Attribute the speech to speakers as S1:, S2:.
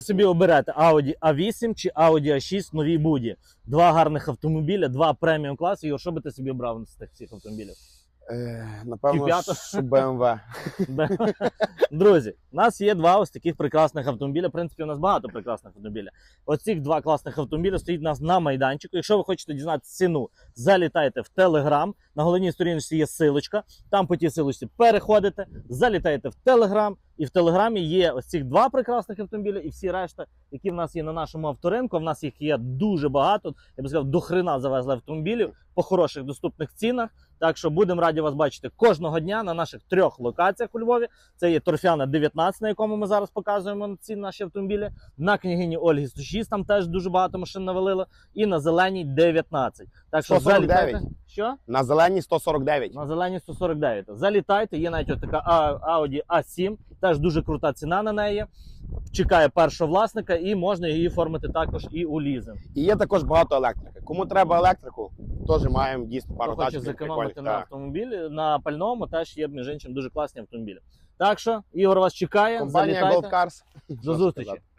S1: Собі оберете Audi A8 чи Audi A6 новій буді. Два гарних автомобіля, два преміум класи. І що би ти собі обрав з тих всіх автомобілів?
S2: Напевно,
S1: Q5.
S2: що BMW.
S1: Друзі, у нас є два ось таких прекрасних автомобіля. В принципі, у нас багато прекрасних автомобілів. Оці два класних автомобіля стоїть у нас на майданчику. Якщо ви хочете дізнатися ціну, залітайте в Telegram. На головній сторінці є силочка. Там по тій силочці переходите, залітаєте в Telegram. І в Телеграмі є ось ці два прекрасних автомобіля і всі решта, які в нас є на нашому авторинку. В нас їх є дуже багато. Я би сказав, до хрена завезли автомобілів по хороших доступних цінах. Так що будемо раді вас бачити кожного дня на наших 3 локаціях у Львові. Це є Торфяна 19, на якому ми зараз показуємо ці наші автомобілі. На Княгині Ольги 106, там теж дуже багато машин навалило. І на Зеленій 19. Так що
S2: 149.
S1: залітайте. Що?
S2: На зеленій 149.
S1: На Зеленій 149. Залітайте, є навіть така Audi A7, теж дуже крута ціна на неї. Чекає першого власника і можна її оформити також і у лізинг.
S2: І є також багато електрики. Кому треба електрику, теж маємо дійсно пару
S1: Хто хоче
S2: тачок.
S1: зекономити
S2: прикольних.
S1: на автомобілі, на пальному теж є, між іншим, дуже класні автомобілі. Так що, Ігор вас чекає,
S2: Компанія
S1: залітайте.
S2: Gold Cars.
S1: До зустрічі.